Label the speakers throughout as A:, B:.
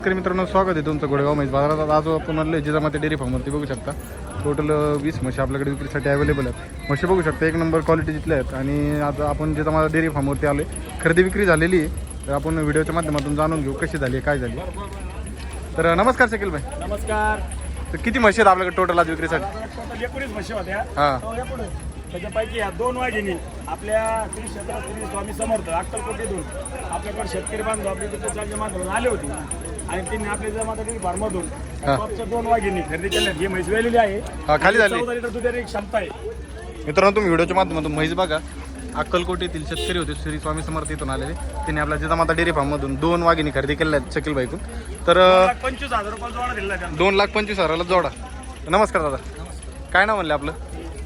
A: नमस्कार मित्रांनो, स्वागत आहे तुमचं गोडेगाव म्हैस बाजारात. आज आपण आलो जिजामाते डेअरी फार्मवरती. बघू शकता टोटल 20 म्हशी आपल्याकडे विक्रीसाठी अवेलेबल आहेत. म्हशी बघू शकता एक नंबर क्वालिटी जिथल्या आहेत. आणि आज आपण जिजामाता डेअरी फार्मवरती आलो आहे. खरेदी विक्री झालेली आहे, तर आपण व्हिडिओच्या माध्यमातून जाणून घेऊ कशी झाली काय झाली. तर नमस्कार शकील भाई.
B: नमस्कार.
A: तर किती म्हशी आहेत आपल्याकडे टोटल आज विक्रीसाठी?
B: 19 म्हशी होत्या.
A: हां,
B: त्याच्यापैकी या 2 वाघिणी आपल्या श्री क्षेत्र श्री स्वामी समर्थ अक्कलकोटीतून आपल्याकडे शेतकरी बांधव आपल्या तिथे माध्यमातून आले होते आणि त्यांनी आपल्या जमाता फार्ममधून टॉपच्या 2 वाघिणी खरेदी केल्या. ही म्हैस वेलेली आहे.
A: खाली झाली.
B: 14 लिटर दुधाची क्षमता आहे.
A: मित्रांनो, तुम्ही व्हिडिओच्या माध्यमातून म्हैस बघा. अक्कलकोट येथील शेतकरी होते, श्री स्वामी समर्थ इथून आलेले. त्यांनी आपल्या जिजामाता डेअरी फार्ममधून 2 वाघिणी खरेदी केल्या आहेत शकील भाईकडून. तर
B: 25,000 रुपये जोडा दिला त्यांना.
A: 2,25,000ला जोडा. नमस्कार दादा, काय नाव म्हणले आपलं?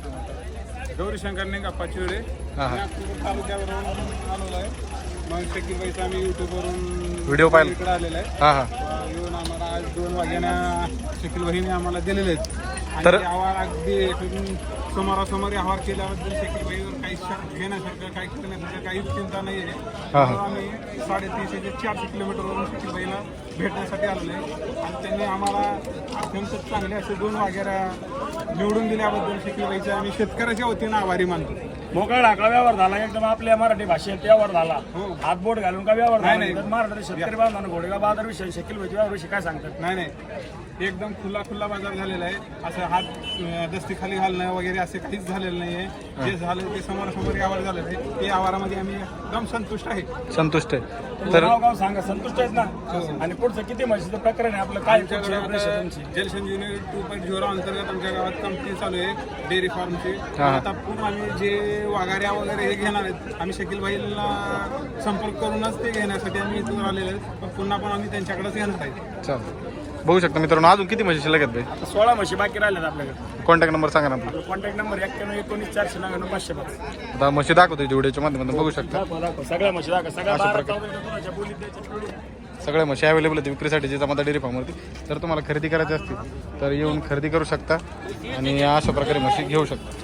C: गौरी शंकर नाही का पाचुरे तालुक्यावरून आलेलो आहे. मग शकील भाईचा आम्ही युट्यूबवरून
A: व्हिडिओ पाहिला.
C: इकडे आलेला आहे.
A: हां हां.
C: येऊन आम्हाला आज 2 वाघ्याना शकील भाईने आम्हाला दिलेले आहेत.
A: तर-
C: आणि आवार अगदी समोरासमोर आवार केल्याबद्दल शकील भाईवर काही शक घेण्यासारखं काही करण्यासारखं काहीच चिंता नाही आहे.
A: हां.
C: आम्ही 350 ते 400 किलोमीटरवरून शकील भाईला भेटण्यासाठी आलेलो आहे. आणि त्यांनी आम्हाला अत्यंत चांगले असे 2 वाघेरा निवडून दिल्याबद्दल शकील भाईचे आम्ही शेतकऱ्याच्या वतीनं आभारी मानतो.
B: मोकळा ढाकळा व्यवहार झाला, एकदम आपल्या मराठी भाषेत व्यवहार झाला. हात बोट घालून का व्यवहार झाला?
C: नाही.
B: मराठी शेतकरी बांधवांना घोडेगाव बाजार विषयी शकील भाई व्यवहार विषयी काय सांगतात?
C: नाही एकदम खुला बाजार झालेला आहे. असं हात दस्ती खाली घालणं वगैरे असे काहीच झालेलं नाही आहे. जे झालं ते समोरासमोर आवार झालेलं आहे. ते आवारामध्ये आम्ही एकदम संतुष्ट आहे.
A: संतुष्ट आहे.
B: तर गाव सांगा, संतुष्ट आहेत ना? आणि पुढचं किती म्हशीचं प्रकरण आहे आपलं? काय तुमची
C: जलसंजीवनी 2.0 अंतर्गत आमच्या गावात कंपनी चालू आहे डेअरी फार्मची. आता पुन्हा आम्ही जे वाघाऱ्या वगैरे हे घेणार आहेत, आम्ही शकील भाईला संपर्क करूनच ते घेण्यासाठी आम्ही इथून आलेले आहेत. पण पुन्हा पण आम्ही त्यांच्याकडेच घेणार आहे.
A: चालेल. बघू शकता मित्रांनो, अजून किती म्हशी शिल्लक आहेत भाई?
B: आता 16 म्हशी बाकी राहिल्यात आपल्याकडे.
A: कॉन्टॅक्ट नंबर सांगा ना आपला.
B: कॉन्टॅक्ट नंबर 9119
A: आता म्हशी दाखवतो व्हिडिओच्या माध्यमातून. बघू शकता
B: सगळ्या म्हशी दाखवा. सगळ्या 12-14 बोलीत द्यायच्या.
A: सगळ्या म्हशी अवेलेबल आहेत विक्रीसाठी जिजामाता डेअरी फार्मवरती. जर तुम्हाला खरेदी करायची असतील तर येऊन खरेदी करू शकता आणि अशा प्रकारे म्हशी घेऊ शकता.